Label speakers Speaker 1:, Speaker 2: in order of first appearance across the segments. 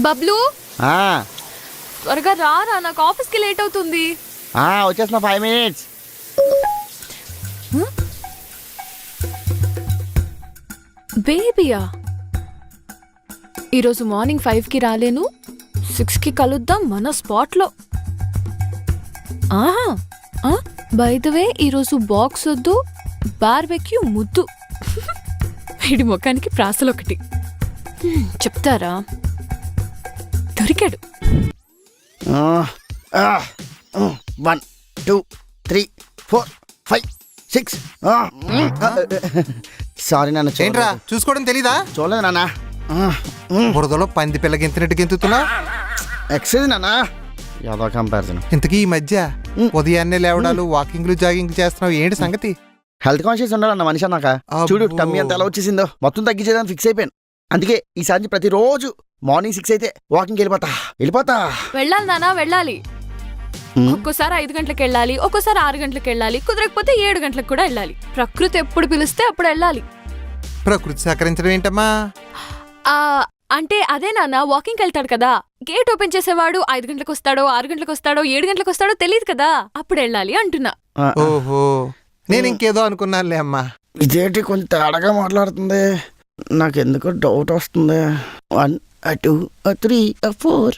Speaker 1: బబ్లు త్వరగా రారా, నాకు ఆఫీస్కి లేట్ అవుతుంది.
Speaker 2: వచ్చేస్తున్నా 5 minutes.
Speaker 1: బేబీయా? ఈరోజు మార్నింగ్ 5కి రాలేను, 6కి కలుద్దాం మన స్పాట్లో. బై ద వే ఈరోజు బాక్స్ వద్దు, బార్బెక్యూ ముద్దు. వీడి ముఖానికి ప్రాసలొకటి చెప్తారా? దొరికాడు.
Speaker 2: 1 2 3 4 5 6. సారీ నాన్న.
Speaker 3: ఏంట్రా చూసుకోవడం తెలీదా?
Speaker 2: చూడలేదు నాన్న.
Speaker 3: బురదలో పంది పిల్ల గెంతినట్టు గెంతుతున్నా.
Speaker 2: ఎక్సైజ్ నాన్న. యాదో కంపారిజన్.
Speaker 3: ఇంతకీ ఈ మధ్య ఉదయాన్నే లేవడాలు, వాకింగ్లు, జాగింగ్ చేస్తున్నావు, ఏంటి సంగతి?
Speaker 2: హెల్త్ కాన్షియస్ ఉండాలన్న మనిషి అన్నాక. చూడు టమ్మీ అంత ఎలా వచ్చేసిందో, మొత్తం తగ్గించేదాన్ని ఫిక్స్ అయిపోయాను. అందుకే ఈసారి ప్రతిరోజు మార్నింగ్ 6 అయితే వాకింగ్ వెళ్ళిపోతా.
Speaker 1: వెళ్ళాలి నాన్న, వెళ్ళాలి. ఒక్కోసారి 5 గంటలకు వెళ్ళాలి, ఒక్కోసారి 6 గంటలకు వెళ్ళాలి, కుదరకపోతే 7 గంటలకు కూడా వెళ్ళాలి. ప్రకృతి ఎప్పుడు పిలిస్తే అప్పుడు వెళ్ళాలి.
Speaker 3: ప్రకృతి సహకరించడం ఏంటమ్మా?
Speaker 1: అంటే అదే నాన్న, వాకింగ్కి వెళ్తాడు కదా, గేట్ ఓపెన్ చేసేవాడు 5 గంటలకు వస్తాడో, 6 గంటలకు వస్తాడో, 7 గంటలకు వస్తాడో తెలియదు కదా, అప్పుడు వెళ్ళాలి అంటున్నా.
Speaker 3: ఓహో, నేను ఇంకేదో అనుకున్నానులే అమ్మా.
Speaker 2: ఇదేంటి కొంచెం తేడాగా మాట్లాడుతుంది, నాకెందుకో డౌట్ వస్తుంది. 1 2 3 4.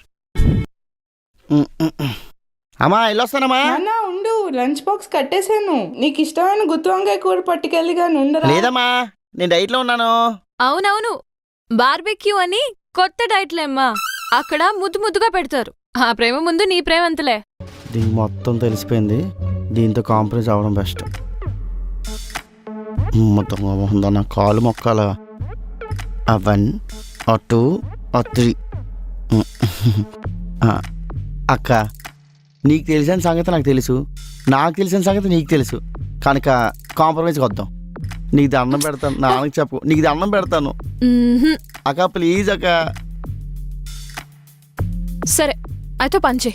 Speaker 2: అమ్మా వెళ్ళొస్తానమ్మా.
Speaker 4: నాన్న ఉండు, లంచ్ బాక్స్ కట్టేశాను. నీకు ఇష్టమైన గుత్తి వంకాయ కూర పట్టుకెళ్ళి కానీ ఉండరా?
Speaker 2: లేదమ్మా, నేను డైట్ లో ఉన్నాను.
Speaker 1: అవునవును, బార్బెక్యూ అని కొత్త డైట్లేమ్మా, అక్కడ ముద్దు ముద్దుగా పెడతారు. ఆ ప్రేమ ముందు నీ ప్రేమ అంతలే.
Speaker 2: దీనికి మొత్తం తెలిసిపోయింది, దీంతో కాంప్రమైజ్ అవ్వడం బెస్ట్. మొత్తం నా కాలు మొక్కాల. 1 2 3. అక్క, నీకు తెలిసిన సంగతి నాకు తెలుసు, నాకు తెలిసిన సంగతి నీకు తెలుసు, కనుక కాంప్రమైజ్కి వద్దాం. నీకు దండం పెడతాను, నాన్నకి చెప్పు, నీకు దండం పెడతాను అక్క, ప్లీజ్ అక్క.
Speaker 1: సరే అయితే పంచే.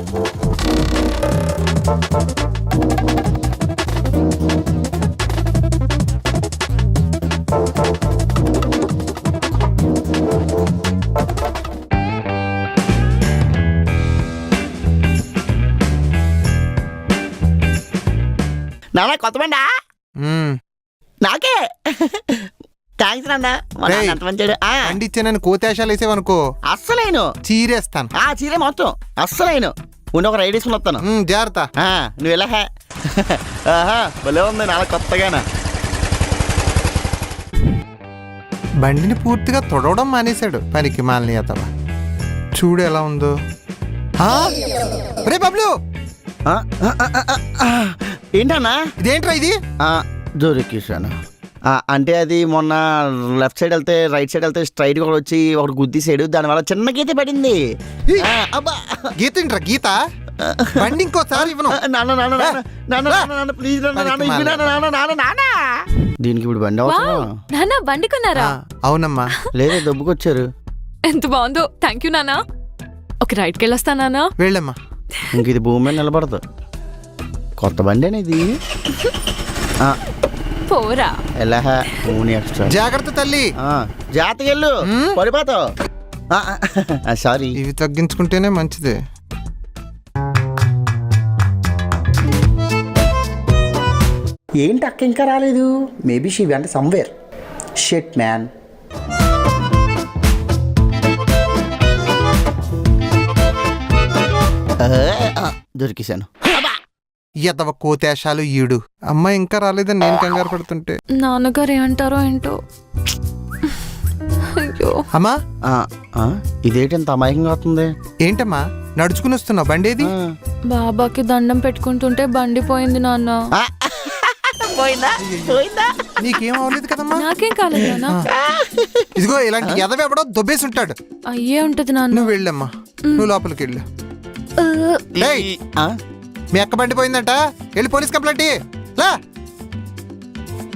Speaker 2: నాన్న కొత్త బండా? నాకే థ్యాంక్స్ నాన్న.
Speaker 3: అండి ఇచ్చానని కోతేశాలు వేసేవనుకో
Speaker 2: అస్సలేను
Speaker 3: చీరేస్తాను.
Speaker 2: చీరే మొత్తం అస్సలేను. ఉండి ఒక రైడ్ వేసుకుని వస్తాను.
Speaker 3: జాగ్రత్త.
Speaker 2: నువ్వు ఎలా భలే ఉంది నాన్న కొత్తగానా.
Speaker 3: బండిని పూర్తిగా తొడవడం మానేశాడు పనికి మాలని అతవా. చూడు ఎలా ఉందో. రే బబ్లు,
Speaker 2: ఏంటన్నా?
Speaker 3: ఇదేంట్రా ఇది?
Speaker 2: దొరికేసాను. అంటే అది మొన్న లెఫ్ట్ సైడ్ వెళ్తే రైట్ సైడ్ వెళ్తే స్ట్రైట్ కూడా వచ్చి ఒకటి గుద్దిసాడు, దానివల్ల చిన్న గీత పడింది.
Speaker 3: గీత ఏంట్రా గీత? బండి ఇంకోసారి ఇవ్వను.
Speaker 2: ప్లీజ్ దీనికి ఇప్పుడు బండి అవసరం.
Speaker 1: నాన్న బండి కొన్నారా?
Speaker 3: అవునమ్మా.
Speaker 2: లేదే దొబ్బుకొచ్చారు.
Speaker 1: ఎంత బాగుందో, థ్యాంక్ యూ నాన్న. ఒక రైడ్కి వెళ్ళొస్తా నాన్న.
Speaker 3: వెళ్ళమ్మా.
Speaker 2: ఇంక ఇది భూమి మీద నిలబడదు. కొత్త బండి అనేది.
Speaker 1: పోరా
Speaker 2: ఎక్స్ట్రా.
Speaker 3: జాగ్రత్త తల్లి,
Speaker 2: జాతకెళ్ళు పడిపోతావు. సారీ.
Speaker 3: ఇవి తగ్గించుకుంటేనే మంచిది.
Speaker 2: ఏంటి అక్క ఇంకా రాలేదు? Maybe she went somewhere. Shit man. దొరికేశాను.
Speaker 3: ఎదవ కోతేశాలు ఈడు. అమ్మాయి ఇంకా రాలేదని నేను కంగారు పడుతుంటే
Speaker 1: నాన్నగారు ఏమంటారో ఏంటో. అయ్యో
Speaker 3: అమ్మా,
Speaker 2: ఇదేంటి ఎంత అమాయకంగా అవుతుంది?
Speaker 3: ఏంటమ్మా నడుచుకుని వస్తున్నావు? బండేది?
Speaker 1: బాబాకి దండం పెట్టుకుంటుంటే బండి పోయింది నాన్న.
Speaker 3: నీకేం అవ్వలేదు కదమ్మా?
Speaker 1: నాకేం కాలేదు నాన్న.
Speaker 3: ఇదిగో ఇలాంటి ఎదవ ఎవడో దొబ్బేసి ఉంటాడు.
Speaker 1: అయ్యే ఉంటది నాన్న.
Speaker 3: నువ్వు వెళ్ళమ్మా, నువ్వు లోపలికి వెళ్ళు. మీ అక్క బండి పోయిందంట, వెళ్ళి పోలీస్ కంప్లైంట్.